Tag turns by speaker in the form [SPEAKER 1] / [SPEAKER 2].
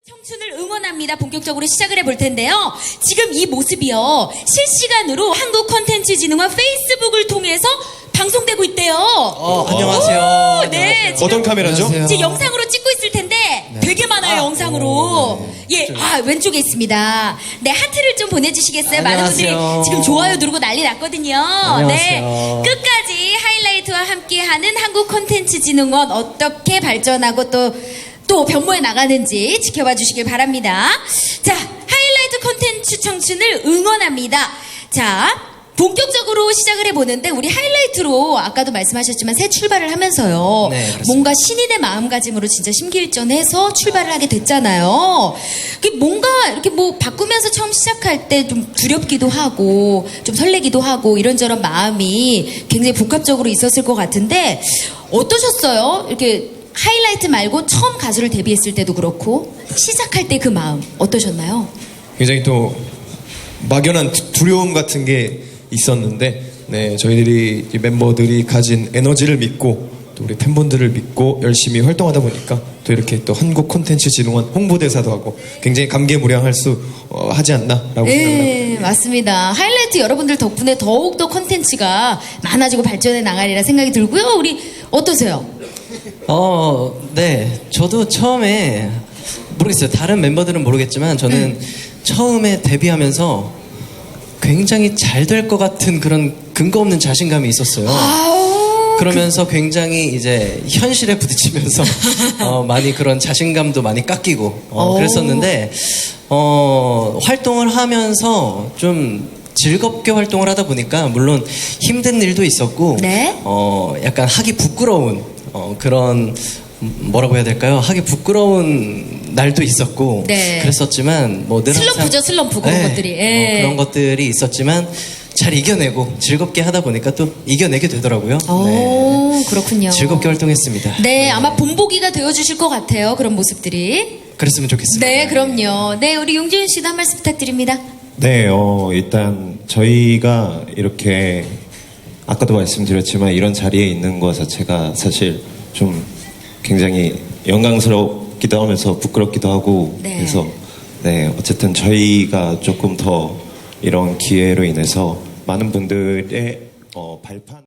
[SPEAKER 1] 청춘을 응원합니다. 본격적으로 시작을 해볼 텐데요. 지금 이 모습이요. 실시간으로 한국콘텐츠진흥원 페이스북을 통해서 방송되고 있대요.
[SPEAKER 2] 안녕하세요.
[SPEAKER 1] 오, 네.
[SPEAKER 2] 안녕하세요. 어떤 카메라죠?
[SPEAKER 1] 지금 이제 영상으로 찍고 있을 텐데 되게 많아요, 영상으로. 예, 왼쪽에 있습니다. 네, 하트를 좀 보내주시겠어요? 많은 분들이
[SPEAKER 2] 안녕하세요.
[SPEAKER 1] 지금 좋아요 누르고 난리 났거든요. 네,
[SPEAKER 2] 안녕하세요.
[SPEAKER 1] 끝까지 하이라이트와 함께하는 한국콘텐츠진흥원 어떻게 발전하고 또 변모해 나가는지 지켜봐 주시길 바랍니다. 자, 하이라이트 콘텐츠 청춘을 응원합니다. 자, 본격적으로 시작을 해보는데 우리 하이라이트로 아까도 말씀하셨지만 새 출발을 하면서요.
[SPEAKER 2] 네, 그렇습니다.
[SPEAKER 1] 뭔가 신인의 마음가짐으로 진짜 심기일전해서 출발을 하게 됐잖아요. 그게 뭔가 이렇게 뭐 바꾸면서 처음 시작할 때 좀 두렵기도 하고 좀 설레기도 하고 이런저런 마음이 굉장히 복합적으로 있었을 것 같은데 어떠셨어요? 이렇게 하이라이트 말고 처음 가수를 데뷔했을 때도 그렇고 시작할 때 그 마음 어떠셨나요?
[SPEAKER 2] 굉장히 또 막연한 두려움 같은 게 있었는데, 네, 저희들이 이 멤버들이 가진 에너지를 믿고 또 우리 팬분들을 믿고 열심히 활동하다 보니까 또 이렇게 또 한국콘텐츠진흥원 홍보대사도 하고 굉장히 감개무량할 수 하지 않나라고 생각합니다.
[SPEAKER 1] 네, 맞습니다. 하이라이트 여러분들 덕분에 더욱더 콘텐츠가 많아지고 발전해 나가리라 생각이 들고요. 우리 어떠세요?
[SPEAKER 3] 네. 저도 처음에 모르겠어요. 다른 멤버들은 모르겠지만 저는 처음에 데뷔하면서 굉장히 잘 될 것 같은 그런 근거 없는 자신감이 있었어요. 그러면서 굉장히 이제 현실에 부딪히면서 많이 그런 자신감도 많이 깎이고 그랬었는데 활동을 하면서 좀 즐겁게 활동을 하다 보니까 물론 힘든 일도 있었고
[SPEAKER 1] 네?
[SPEAKER 3] 약간 하기 부끄러운 그런 뭐라고 해야 될까요? 하기 부끄러운 날도 있었고
[SPEAKER 1] 네.
[SPEAKER 3] 그랬었지만 뭐 늘
[SPEAKER 1] 슬럼프죠, 슬럼프 그런 것들이. 예.
[SPEAKER 3] 그런 것들이 있었지만 잘 이겨내고 즐겁게 하다 보니까 또 이겨내게 되더라고요.
[SPEAKER 1] 오, 그렇군요.
[SPEAKER 3] 즐겁게 활동했습니다.
[SPEAKER 1] 네, 아마 본보기가 되어주실 것 같아요. 그런 모습들이.
[SPEAKER 3] 그랬으면 좋겠습니다.
[SPEAKER 1] 네, 그럼요. 네, 우리 용지윤 씨도 한 말씀 부탁드립니다.
[SPEAKER 4] 네, 일단 저희가 이렇게 아까도 말씀드렸지만 이런 자리에 있는 것 자체가 사실 좀 굉장히 영광스럽기도 하면서 부끄럽기도 하고
[SPEAKER 1] 네.
[SPEAKER 4] 그래서 네, 어쨌든 저희가 조금 더 이런 기회로 인해서 많은 분들의 발판